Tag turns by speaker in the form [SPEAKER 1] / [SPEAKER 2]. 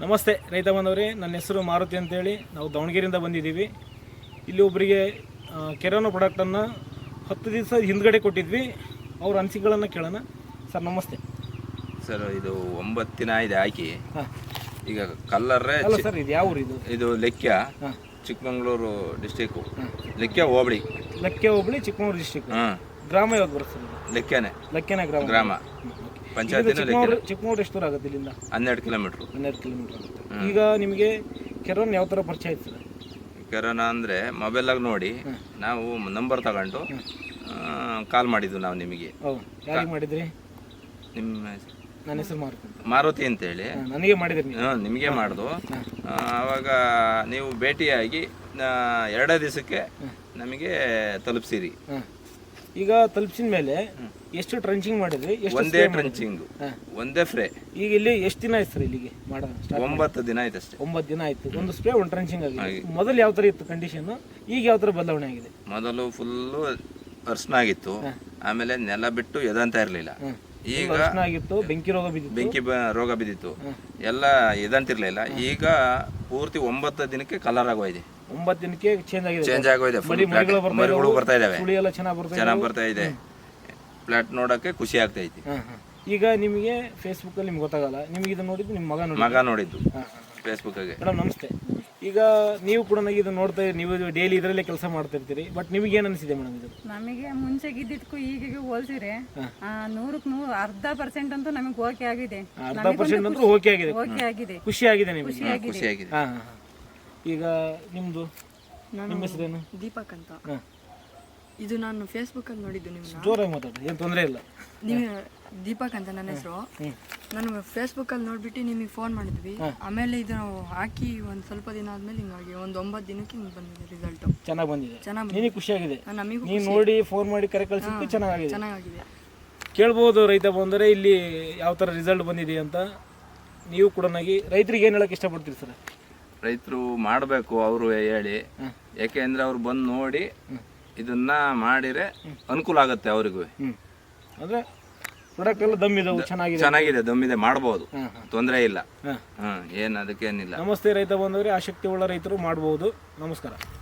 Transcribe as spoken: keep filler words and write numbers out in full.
[SPEAKER 1] ನಮಸ್ತೆ ರೈತ ಬಾಂಧವರೇ, ನನ್ನ ಹೆಸರು ಮಾರುತಿ ಅಂತೇಳಿ. ನಾವು ದಾವಣಗೆರೆಯಿಂದ ಬಂದಿದ್ದೀವಿ. ಇಲ್ಲಿ ಒಬ್ಬರಿಗೆ ಕೆರೋನೋ ಪ್ರಾಡಕ್ಟನ್ನು ಹತ್ತು ದಿವಸ ಹಿಂದ್ಗಡೆ ಕೊಟ್ಟಿದ್ವಿ. ಅವ್ರ ಅನಿಸಿಕೆಗಳನ್ನು ಕೇಳೋಣ. ಸರ್ ನಮಸ್ತೆ.
[SPEAKER 2] ಸರ್ ಇದು ಒಂಬತ್ತು ದಿನ ಇದೆ ಹಾಕಿ. ಈಗ ಕಲ್ಲರ್ರೆ
[SPEAKER 1] ಅಲ್ಲ ಸರ್, ಇದು ಯಾವ ಊರು? ಇದು
[SPEAKER 2] ಇದು ಲೆಕ್ಕ, ಚಿಕ್ಕಮಗಳೂರು ಡಿಸ್ಟಿಕ್ಕು, ಲೆಕ್ಕ ಹೋಬಳಿ.
[SPEAKER 1] ಲೆಕ್ಕ ಹೋಬಳಿ, ಚಿಕ್ಕಮಗಳೂರು ಡಿಸ್ಟಿಕ್. ಗ್ರಾಮ ಯಾವ್ದು ಬರುತ್ತೆ ಸರ್?
[SPEAKER 2] ಲೆಕ್ಕನೆ.
[SPEAKER 1] ಲೆಕ್ಕನೆ ಗ್ರಾಮ.
[SPEAKER 2] ಗ್ರಾಮ ಪಂಚಾಯತ್.
[SPEAKER 1] ಚಿಕ್ಕಮಗಳೂರು ಎಷ್ಟು ದೂರ ಆಗುತ್ತೆ ಇಲ್ಲಿಂದ?
[SPEAKER 2] ಹನ್ನೆರಡು ಕಿಲೋಮೀಟ್ರು.
[SPEAKER 1] ಹನ್ನೆರಡು ಕಿಲೋಮೀಟರ್ ಆಗುತ್ತೆ. ಈಗ ನಿಮಗೆ ಕೆರೋನ್ ಯಾವ ಥರ ಪರಿಚಯ ಆಯ್ತು ಸರ್?
[SPEAKER 2] ಕೆರೋನಾ ಅಂದರೆ ಮೊಬೈಲಾಗಿ ನೋಡಿ ನಾವು ನಂಬರ್ ತಗೊಂಡು ಕಾಲ್ ಮಾಡಿದ್ವು ನಾವು ನಿಮಗೆ.
[SPEAKER 1] ಹೌದು, ಯಾರಿಗೆ ಮಾಡಿದ್ರಿ?
[SPEAKER 2] ನಿಮ್ಮ
[SPEAKER 1] ನನ್ನ ಹೆಸರು ಮಾರುತಿ
[SPEAKER 2] ಮಾರುತಿ ಅಂತೇಳಿ
[SPEAKER 1] ನನಗೆ ಮಾಡಿದ್ರಿ?
[SPEAKER 2] ಹಾಂ, ನಿಮಗೆ ಮಾಡ್ದು. ಆವಾಗ ನೀವು ಭೇಟಿಯಾಗಿ ಎರಡೇ ದಿವಸಕ್ಕೆ ನಮಗೆ ತಲುಪಿಸಿರಿ.
[SPEAKER 1] ಈಗ ತಲುಪಿಸಿದ ಮೇಲೆ ಎಷ್ಟು ಟ್ರಂಚಿಂಗ್ ಮಾಡಿದ್ರಿ?
[SPEAKER 2] ಒಂದೇ ಟ್ರಂಚಿಂಗ್, ಒಂದೇ ಫ್ರೇ.
[SPEAKER 1] ಈಗ ಇಲ್ಲಿ ಎಷ್ಟು ದಿನ ಆಯ್ತು ಸರ್ ಇಲ್ಲಿಗೆ ಮಾಡ?
[SPEAKER 2] ಒಂಬತ್ತು ದಿನ ಆಯ್ತು ಅಷ್ಟೇ.
[SPEAKER 1] ಒಂಬತ್ತು ದಿನ ಆಯ್ತು. ಒಂದು ಸ್ಪ್ರೇ, ಒಂದು ಟ್ರಂಚಿಂಗ್ ಆಗಿದೆ. ಮೊದಲು ಯಾವ ಥರ ಇತ್ತು ಕಂಡೀಷನ್, ಈಗ ಯಾವ ಥರ ಬದಲಾವಣೆ ಆಗಿದೆ?
[SPEAKER 2] ಮೊದಲು ಫುಲ್ಲು ಅರ್ಶನ ಆಗಿತ್ತು, ಆಮೇಲೆ ನೆಲ ಬಿಟ್ಟು ಎದಂತ ಇರಲಿಲ್ಲ. ಈಗ
[SPEAKER 1] ಆಗಿತ್ತು, ಬೆಂಕಿ ರೋಗ ಬಿದ್ದಿತ್ತು.
[SPEAKER 2] ಬೆಂಕಿ ರೋಗ ಬಿದ್ದಿತ್ತು, ಎಲ್ಲ ಎದಂತಿರ್ಲಿಲ್ಲ. ಈಗ ಪೂರ್ತಿ ಒಂಬತ್ತು ದಿನಕ್ಕೆ ಕಲರ್ ಆಗೋಯ್ದೆ.
[SPEAKER 1] ಒಂಬತ್ತು ದಿನಕ್ಕೆ ಚೇಂಜ್ ಆಗಿದೆ.
[SPEAKER 2] ಚೇಂಜ್ ಆಗೋಯ್ದೆ. ಮರಿಗಳು ಬರ್ತಾ ಇದಾವೆ,
[SPEAKER 1] ಚೆನ್ನಾಗಿ
[SPEAKER 2] ಚೆನ್ನಾಗಿ ಬರ್ತಾ ಇದೆ. ಫ್ಲಾಟ್ ನೋಡಕ್ಕೆ ಖುಷಿ ಆಗ್ತಾ ಐತಿ.
[SPEAKER 1] ಈಗ ನಿಮಗೆ ಫೇಸ್ಬುಕ್ ಅಲ್ಲಿ ನಿಮ್ಗೆ ಗೊತ್ತಾಗಲ್ಲ, ನಿಮಗೆ ಇದನ್ನ ನೋಡಿದ್ದು ನಿಮ್ಮ ಮಗ ನೋಡಿ
[SPEAKER 2] ಮಗ ನೋಡಿದ್ದು ಫೇಸ್ಬುಕ್ ಆಗಿ.
[SPEAKER 1] ಮೇಡಮ್ ನಮಸ್ತೆ. ಈಗ ನೀವು ಕೂಡ ಇದು ನೋಡ್ತಾ, ನೀವು ಡೈಲಿ ಇದರಲ್ಲೇ ಕೆಲಸ ಮಾಡ್ತಾ ಇರ್ತೀರಿ. ಬಟ್ ನಿಮಗೆ ಏನು ಅನಿಸಿದೆ ಮೇಡಮ್ ಇದು?
[SPEAKER 3] ನಮಗೆ ಮುಂಚೆ ಇದ್ದಿದ್ದಕ್ಕೂ ಈಗಿಗೆ ಹೋಲಿಸಿದ್ರೆ ನೂರಕ್ಕೆ ನೂರು ಅರ್ಧ ಪರ್ಸೆಂಟ್ ಅಂತೂ ನಮಗೆ ಓಕೆ ಆಗಿದೆ.
[SPEAKER 1] ಅರ್ಧ ಪರ್ಸೆಂಟ್ ಅಂತೂ ಓಕೆ ಆಗಿದೆ.
[SPEAKER 3] ಓಕೆ ಆಗಿದೆ,
[SPEAKER 1] ಖುಷಿ ಆಗಿದೆ ನಿಮಗೆ?
[SPEAKER 2] ಖುಷಿ ಆಗಿದೆ.
[SPEAKER 1] ಹಾ ಹಾ. ಈಗ ನಿಮ್ದು ನಿಮ್ಮ ಹೆಸರೇನು?
[SPEAKER 4] ದೀಪಕ್ ಅಂತ. ಇದು ನಾನು ಫೇಸ್ಬುಕ್ ಅಲ್ಲಿ ನೋಡಿದ್ದು. ನಿಮ್ಗೆ
[SPEAKER 1] ಜೋರಾಗಿ ಮಾತಾಡಿ, ಏನು ತೊಂದರೆ ಇಲ್ಲ.
[SPEAKER 4] ನೀವು ದೀಪಕ್ ಅಂತ ನನ್ನ ಹೆಸರು. ನಾನು ಫೇಸ್ಬುಕ್ ಅಲ್ಲಿ ನೋಡ್ಬಿಟ್ಟು ನಿಮಗೆ ಫೋನ್ ಮಾಡಿದ್ವಿ. ಆಮೇಲೆ ಇದು ಹಾಕಿ ಒಂದು ಸ್ವಲ್ಪ ದಿನ ಆದ್ಮೇಲೆ ಹಿಂಗಾಗಿ ಒಂದು ಒಂಬತ್ತು ದಿನಕ್ಕೆ ಹಿಂಗೆ ಬಂದಿದೆ ರಿಸಲ್ಟ್.
[SPEAKER 1] ಚೆನ್ನಾಗಿ ಬಂದಿದೆ.
[SPEAKER 4] ಚೆನ್ನಾಗಿ
[SPEAKER 1] ನಿನಗೆ ಖುಷಿ ಆಗಿದೆ?
[SPEAKER 4] ನಮಗೂ
[SPEAKER 1] ನೀವು ನೋಡಿ ಫೋನ್ ಮಾಡಿ ಕರೆ ಕಳಿಸಿದ್ದು ಚೆನ್ನಾಗಿದೆ.
[SPEAKER 4] ಚೆನ್ನಾಗಿದೆ.
[SPEAKER 1] ಕೇಳ್ಬೋದು ರೈತ ಬಂದರೆ ಇಲ್ಲಿ ಯಾವ ಥರ ರಿಸಲ್ಟ್ ಬಂದಿದೆ ಅಂತ. ನೀವು ಕೂಡ ರೈತರಿಗೆ ಏನು ಹೇಳಕ್ಕೆ ಇಷ್ಟಪಡ್ತೀರಿ ಸರ್?
[SPEAKER 2] ರೈತರು ಮಾಡಬೇಕು ಅವರು ಹೇಳಿ, ಯಾಕೆಂದ್ರೆ ಅವ್ರು ಬಂದು ನೋಡಿ ಇದನ್ನ ಮಾಡಿದ್ರೆ ಅನುಕೂಲ ಆಗುತ್ತೆ ಅವ್ರಿಗೂ.
[SPEAKER 1] ಅಂದ್ರೆ ಪ್ರಾಡಕ್ಟ್ ಎಲ್ಲ ದಮ್ ಇದಾವೆ, ಚೆನ್ನಾಗಿದೆ.
[SPEAKER 2] ಚೆನ್ನಾಗಿದೆ, ದಮ್ಮಿದೆ, ಮಾಡ್ಬೋದು, ತೊಂದರೆ ಇಲ್ಲ. ಹ್ಮ್, ಏನ್ ಅದಕ್ಕೇನಿಲ್ಲ.
[SPEAKER 1] ನಮಸ್ತೆ ರೈತ ಬಂದವರೇ, ಆಸಕ್ತಿ ಉಳ್ಳ ರೈತರು ಮಾಡ್ಬೋದು. ನಮಸ್ಕಾರ.